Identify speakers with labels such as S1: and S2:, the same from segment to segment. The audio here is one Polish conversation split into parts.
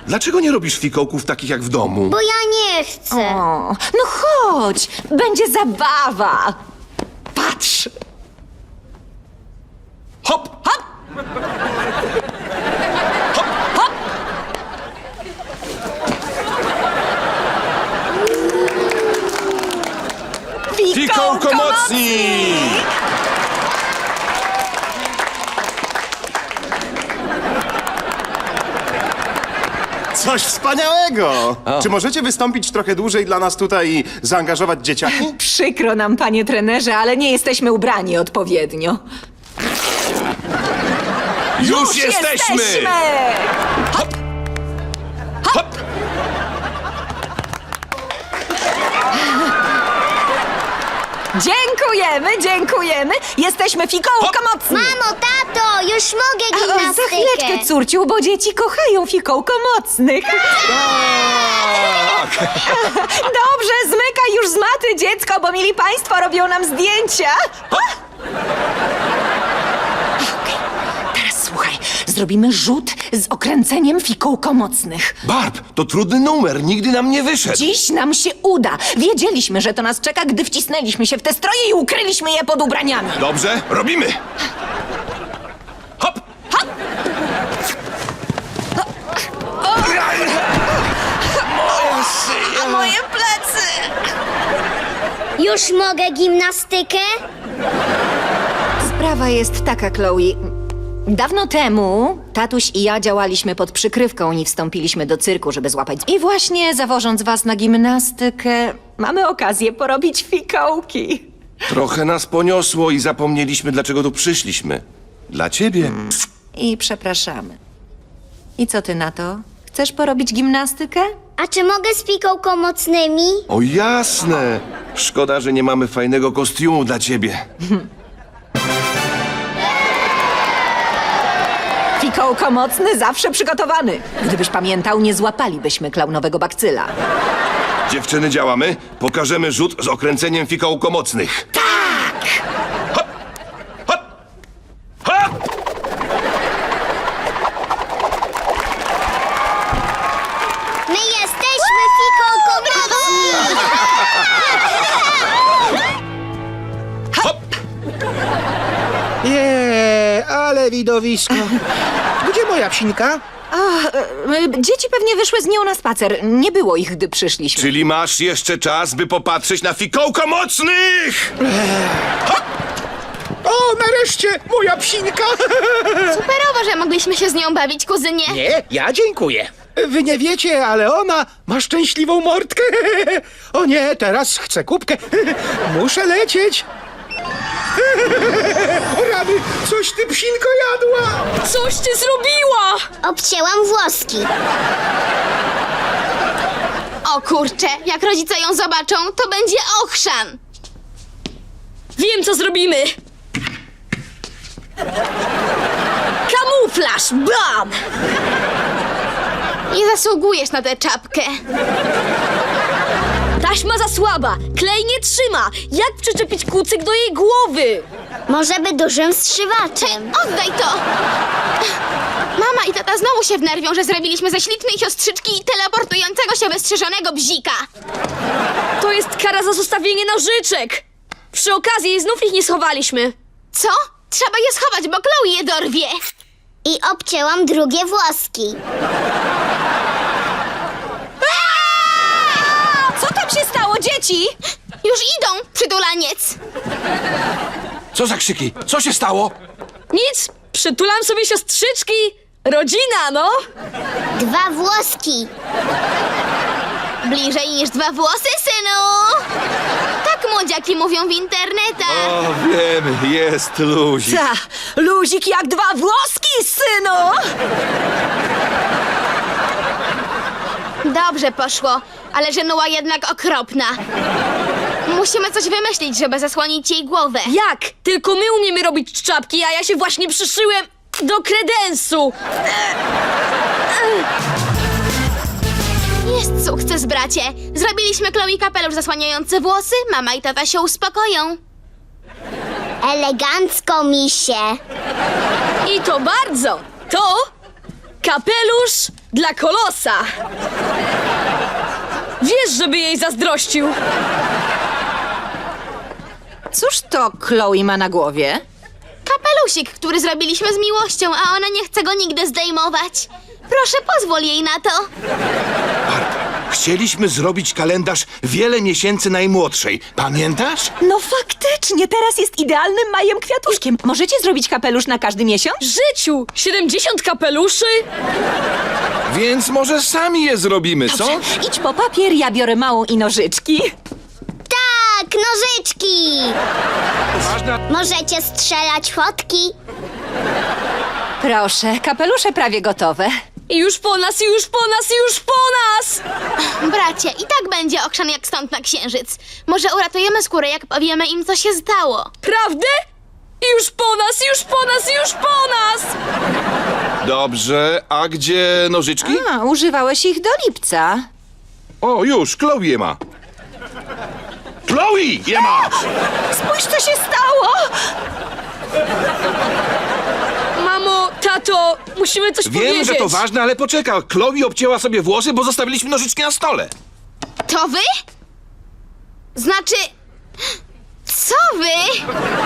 S1: dlaczego nie robisz fikołków takich jak w domu?
S2: Bo ja nie chcę.
S3: O, no chodź, będzie zabawa. Patrz.
S1: Hop!
S3: Hop, hop.
S1: Fikołko mocni!
S4: Coś wspaniałego! Czy możecie wystąpić trochę dłużej dla nas tutaj i zaangażować dzieciaki?
S3: Przykro nam, panie trenerze, ale nie jesteśmy ubrani odpowiednio.
S1: Już jesteśmy!
S3: Hop.
S1: Hop!
S3: Dziękujemy. Jesteśmy fikołko mocni.
S2: Mamo, tato, już mogę
S3: Za
S2: gimnastykę.
S3: chwileczkę, córciu, bo dzieci kochają fikołko mocnych. Dobrze, zmykaj już z maty, dziecko, bo mili państwo robią nam zdjęcia. Okej, teraz słuchaj, zrobimy rzut z okręceniem fikołko mocnych.
S1: Barb, to trudny numer, nigdy nam nie wyszedł.
S3: Dziś nam się uda. Wiedzieliśmy, że to nas czeka, gdy wcisnęliśmy się w te stroje i ukryliśmy je pod ubraniami.
S1: Dobrze, robimy! Hop!
S3: A moje plecy!
S2: Już mogę gimnastykę?
S3: Sprawa jest taka, Chloe. Dawno temu tatuś i ja działaliśmy pod przykrywką i wstąpiliśmy do cyrku, żeby złapać. I właśnie zawożąc was na gimnastykę, mamy okazję porobić fikołki.
S1: Trochę nas poniosło i zapomnieliśmy, dlaczego tu przyszliśmy. Dla ciebie.
S3: I przepraszamy. I co ty na to? Chcesz porobić gimnastykę?
S2: A czy mogę z fikołko mocnymi?
S1: O jasne! Szkoda, że nie mamy fajnego kostiumu dla ciebie.
S3: Fikołko mocny zawsze przygotowany. Gdybyś pamiętał, nie złapalibyśmy klaunowego bakcyla.
S1: Dziewczyny, działamy. Pokażemy rzut z okręceniem fikołko mocnych.
S3: Tak!
S1: Hop! Hop! Hop!
S2: My jesteśmy fikołko mocni!
S1: Hop!
S5: Ale widowisko. Gdzie moja psinka?
S3: Dzieci pewnie wyszły z nią na spacer. Nie było ich, gdy przyszliśmy.
S1: Czyli masz jeszcze czas, by popatrzeć na fikołko mocnych!
S5: O, nareszcie moja psinka!
S6: Superowo, że mogliśmy się z nią bawić, kuzynie.
S5: Nie, ja dziękuję. Wy nie wiecie, ale ona ma szczęśliwą mordkę. O nie, teraz chcę kubkę. Muszę lecieć. O rany, coś ty psinko jadła.
S6: Coś ty zrobiła!
S2: Obcięłam włoski.
S6: O kurczę, jak rodzice ją zobaczą, to będzie ochrzan. Wiem, co zrobimy. Kamuflaż, bam! Nie zasługujesz na tę czapkę. Taśma za słaba, klej nie trzyma. Jak przyczepić kucyk do jej głowy?
S2: Może by dużym strzywaczem.
S6: Oddaj to! Mama i tata znowu się wnerwią, że zrobiliśmy ze ślicznej siostrzyczki teleportującego się wystrzyżonego bzika. To jest kara za zostawienie nożyczek. Przy okazji znów ich nie schowaliśmy. Co? Trzeba je schować, bo Chloe je dorwie.
S2: I obcięłam drugie włoski.
S3: Co tam się stało, dzieci?
S6: Już idą, przytulaniec.
S1: Co za krzyki? Co się stało?
S6: Nic, przytulam sobie siostrzyczki. Rodzina, no.
S2: Dwa włoski.
S6: Bliżej niż dwa włosy, synu. Tak młodziaki mówią w internetach.
S1: O, wiemy, jest luzik.
S3: Ta, luzik jak dwa włoski, synu!
S6: Dobrze poszło, ale żenuła jednak okropna. Musimy coś wymyślić, żeby zasłonić jej głowę. Jak? Tylko my umiemy robić czapki, a ja się właśnie przyszyłem do kredensu. Jest sukces, bracie. Zrobiliśmy Chloe kapelusz zasłaniający włosy, mama i tata się uspokoją.
S2: Elegancko, misie.
S6: I to bardzo. To kapelusz
S7: Dla Kolosa! Wiesz, żeby jej zazdrościł.
S3: Cóż to Chloe ma na głowie?
S6: Kapelusik, który zrobiliśmy z miłością, a ona nie chce go nigdy zdejmować. Proszę, pozwól jej na to.
S5: Chcieliśmy zrobić kalendarz wiele miesięcy najmłodszej. Pamiętasz?
S3: No faktycznie, teraz jest idealnym majem kwiatuszkiem. Możecie zrobić kapelusz na każdy miesiąc?
S7: Życiu! 70 kapeluszy?
S1: Więc może sami je zrobimy, co?
S3: Idź po papier, ja biorę małą i nożyczki.
S2: Tak, nożyczki! Możecie strzelać fotki.
S3: Proszę, kapelusze prawie gotowe.
S7: I już po nas, już po nas, już po nas!
S6: Bracie, i tak będzie okrzan jak stąd na księżyc. Może uratujemy skórę, jak powiemy im, co się stało.
S7: Prawdę? I już po nas, już po nas, już po nas!
S1: Dobrze, a gdzie nożyczki?
S3: A, używałeś ich do lipca.
S1: O, już, Chloe je ma.
S5: Chloe je ma!
S3: Spójrz, co się stało!
S7: Mamo, tato, musimy coś
S1: Wiem,
S7: powiedzieć.
S1: że to ważne, ale poczekaj. Chloe obcięła sobie włosy, bo zostawiliśmy nożyczki na stole.
S6: To wy? Znaczy... Co wy?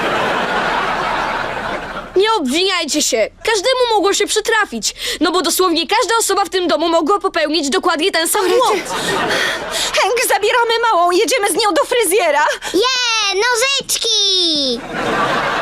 S7: Nie obwiniajcie się. Każdemu mogło się przytrafić. No bo dosłownie każda osoba w tym domu mogła popełnić dokładnie ten sam błąd.
S3: Hank, zabieramy małą, jedziemy z nią do fryzjera.
S2: Je, nożyczki!